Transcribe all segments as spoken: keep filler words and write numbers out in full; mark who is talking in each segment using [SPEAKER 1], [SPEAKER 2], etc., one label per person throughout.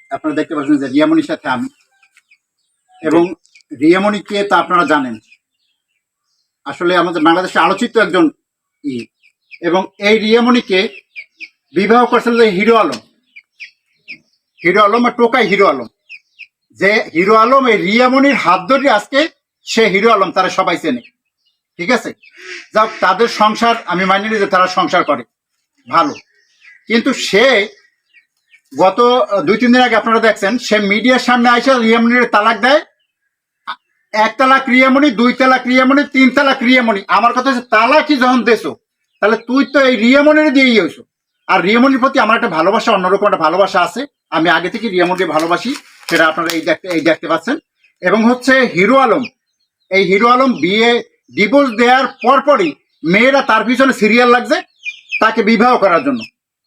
[SPEAKER 1] আপনারা দেখতে পাচ্ছেন যে রিয়ামণির সাথে আমি, এবং রিয়ামণিকে তো আপনারা জানেন আসলে আমাদের বাংলাদেশে আলোচিত একজন ই, এবং এই রিয়ামণিকে বিবাহ করেছিল যে হিরো আলম, হিরো আলম আর টোকাই হিরো আলম, যে হিরো আলম এই রিয়ামণির হাত ধরে আজকে সে হিরো আলম, তারা সবাই চেনে। ঠিক আছে, যাক তাদের সংসার আমি মানি যে তারা সংসার করে ভালো, কিন্তু সে গত দুই তিন দিন আগে আপনারা দেখছেন সে মিডিয়ার সামনে আইসা রিয়ামণির তালাক দেয়। এক তালাক রিয়ামণি, দুই তালাক রিয়ামণি, তিন তালাক রিয়ামণি। আমার কথা হচ্ছে তালাকই যখন দেছো তাহলে তুই তো এই রিয়ামণির দিয়েই হয়েছো। আর রিয়ামণির প্রতি আমার একটা ভালোবাসা, অন্যরকম একটা ভালোবাসা আছে, আমি আগে থেকে রিয়ামণিকে ভালোবাসি, সেটা আপনারা এই দেখতে এই দেখতে পাচ্ছেন। এবং হচ্ছে হিরো আলম, এই হিরো আলম বিয়ে ডিভোর্স দেওয়ার পরপরই মেয়েরা তার পিছনে সিরিয়াল লাগছে তাকে বিবাহ করার জন্য।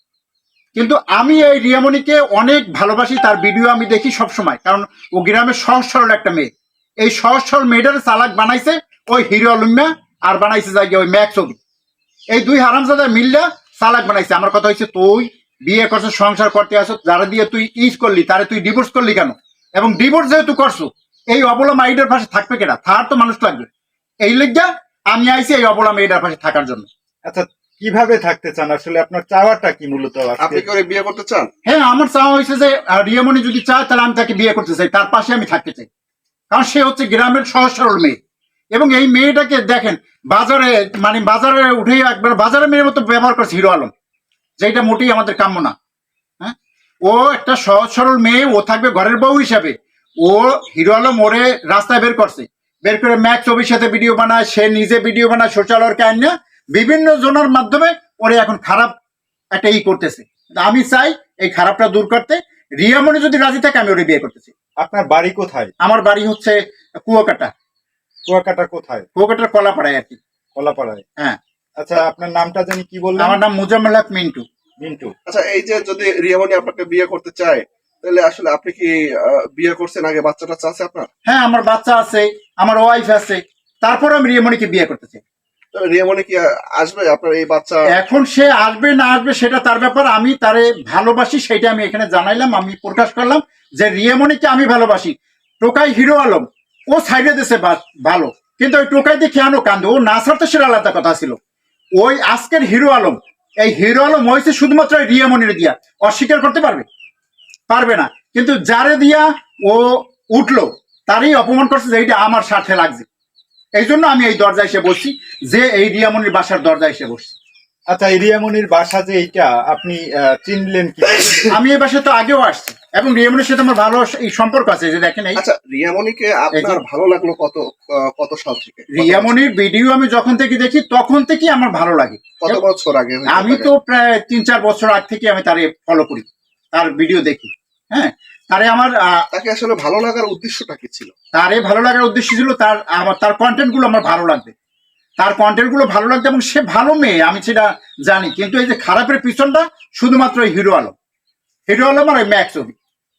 [SPEAKER 1] কিন্তু আমি এই রিয়ামণিকে অনেক ভালোবাসি, তার ভিডিও আমি দেখি সব সময়, কারণ ও গ্রামের সহজ সরল একটা মেয়ে। এই সহজ সরল মেয়েটার চালাক বানাইছে ওই হিরো আলমিয়া, আর বানাইছে যাই ওই ম্যাক ছবি। এই দুই হারামজাদা মিল্লা চালাক বানাইছে। আমার কথা হচ্ছে তুই বিয়ে করছো, সংসার করতে আসো, যারা দিয়ে তুই ইজ করলি তারে তুই ডিভোর্স করলি কেন? এবং ডিভোর্স যেহেতু করছো, এই অবলা মাইডের পাশে থাকবে কেনা? থার তো মানুষ লাগবে। এই লিগা আমি আইছি এই অবলা মেয়েটার পাশে থাকার জন্য।
[SPEAKER 2] আচ্ছা, কিভাবে থাকতে চান আসলে? আপনার চাওয়াটা কি মূলত?
[SPEAKER 3] আপনি কি ওরে বিয়ে করতে চান?
[SPEAKER 1] হ্যাঁ, আমার চাওয়া হয়েছে যে রিয়ামণি যদি চায় তাহলে আমি তাকে বিয়ে করতে চাই, তার পাশে আমি থাকতে চাই, কারণ সে হচ্ছে গ্রামের সহজ সরল মেয়ে। এবং এই মেয়েটাকে দেখেন বাজারে, মানে বাজারে উঠে একবার বাজারে মেয়ের মতো ব্যবহার করছে হিরো আলম, যেটা মোটেই আমাদের কাম্য না। হ্যাঁ, ও একটা সহজ সরল মেয়ে, ও থাকবে ঘরের বউ হিসাবে। ও হিরো আলম ওরে রাস্তায় বের করছে, বের করে ম্যাক ছবির সাথে ভিডিও বানায়, সে নিজে ভিডিও বানায়, সোশ্যাল ওয়ার্কে আইন না বিভিন্ন জনের মাধ্যমে ওরে এখন খারাপ একটা ই করতেছে। আমি চাই এই খারাপটা দূর করতে। রিয়ামণি যদি রাজি থাকে আমি ওরে বিয়ে করতেছি।
[SPEAKER 2] আপনার বাড়ি কোথায়?
[SPEAKER 1] আমার বাড়ি হচ্ছে কুয়াকাটা।
[SPEAKER 2] কুয়াকাটা কোথায়?
[SPEAKER 1] কুয়াকাটার কলাপাড়ায় আর কি।
[SPEAKER 2] কলাপাড়ায়।
[SPEAKER 1] হ্যাঁ।
[SPEAKER 2] আচ্ছা, আপনার নামটা জানি কি বললেন?
[SPEAKER 1] আমার নাম মুজাম্মেল হক মিন্টু।
[SPEAKER 2] মিন্টু।
[SPEAKER 3] আচ্ছা, এই যে যদি রিয়ামণি আপনাকে বিয়ে করতে চায় তাহলে আসলে আপনি কি আহ, বিয়ে করছেন আগে? বাচ্চাটা আছে আপনার?
[SPEAKER 1] হ্যাঁ, আমার বাচ্চা আছে, আমার ওয়াইফ আছে, তারপর আমি রিয়ামণিকে বিয়ে করতে চাই।
[SPEAKER 3] রিয়ামণি কি আসবে আপনার এই বাচ্চা?
[SPEAKER 1] এখন সে আসবে না আসবে সেটা তার ব্যাপার, আমি তারে ভালোবাসি সেটা আমি এখানে জানাইলাম, আমি প্রকাশ করলাম যে রিয়ামণিকে আমি ভালোবাসি। টোকাই হিরো আলম ও সাইডে দেশে ভালো, কিন্তু ওই টোকাই দিয়ে কেন কান্দে? ও না ছাড়তে সেটা আলাদা কথা ছিল। ওই আজকের হিরো আলম, এই হিরো আলম হয়েছে শুধুমাত্র রিয়ামণির দিয়া, অস্বীকার করতে পারবে? পারবে না। কিন্তু যারে দিয়া ও উঠলো তারই অপমান করছে, যে এইটা আমার স্বার্থে লাগছে। এই জন্য আমি এই দরজায় এসে বসছি, যে এই রিয়ামণির বাসার দরজায় এসে বসছি।
[SPEAKER 2] আচ্ছা, এই রিয়ামণির বাসা যে এইটা আপনি চিনলেন কি?
[SPEAKER 1] আমি এই বাসায় তো আগেও আসছি, এবং রিয়ামণির সাথে আমার ভালো এই সম্পর্ক আছে, যে দেখেন এই।
[SPEAKER 3] আচ্ছা, রিয়ামণিকে আপনার ভালো লাগলো কত কত সাল থেকে?
[SPEAKER 1] রিয়ামণির ভিডিও আমি যখন থেকে দেখি তখন থেকে আমার ভালো লাগে।
[SPEAKER 3] কত বছর আগে?
[SPEAKER 1] আমি তো প্রায় তিন চার বছর আগ থেকে আমি তারে ফলো করি, তার ভিডিও দেখি। হ্যাঁ, তারে আমার
[SPEAKER 3] তাকে আসলে ভালো লাগার উদ্দেশ্যটা কি ছিল?
[SPEAKER 1] তারে ভালো লাগার উদ্দেশ্য ছিল তার আমার তার কন্টেন্ট গুলো আমার ভালো লাগবে, তার কন্টেন্ট গুলো ভালো লাগবে, এবং সে ভালো মেয়ে আমি সেটা জানি। কিন্তু এই যে খারাপের পিছনটা শুধুমাত্র হিরো আলম, হিরো আলম আর ওই ম্যাক ছবি।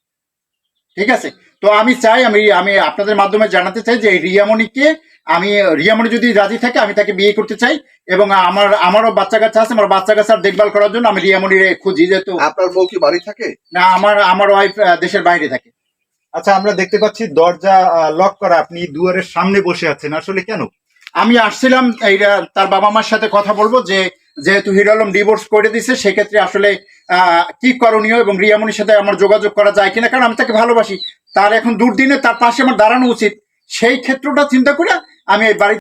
[SPEAKER 1] ঠিক আছে, তো আমি চাই, আমি আমি আপনাদের মাধ্যমে জানাতে চাই যে রিয়ামণিকে আমি, রিয়ামণি যদি রাজি থাকে আমি তাকে বিয়ে করতে চাই, এবং আমার আমারও বাচ্চা কাচ্চা আছে, আমার বাচ্চা কাচ্চার দেখভাল করার জন্য আমি রিয়ামণিরে খুঁজি। যেহেতু
[SPEAKER 3] আপনার বউ কি বাড়ি থাকে?
[SPEAKER 1] না, আমার আমার ওয়াইফ দেশের বাইরে থাকে।
[SPEAKER 2] আচ্ছা, আমরা দেখতে পাচ্ছি দরজা লক করা, আপনি দুয়ারের সামনে বসে আছেন, আসলে কেন?
[SPEAKER 1] আমি আসছিলাম এইটা তার বাবা মার সাথে কথা বলবো, যে যেহেতু হিরো আলম ডিভোর্স করে দিছে সেক্ষেত্রে আসলে আহ কি করণীয়, এবং রিয়ামণির সাথে আমার যোগাযোগ করা যায় কিনা, কারণ আমি তাকে ভালোবাসি। তার এখন দুর্দিনে তার পাশে আমার দাঁড়ানো উচিত, সেই ক্ষেত্রটা চিন্তা করে আমি এই বাড়ি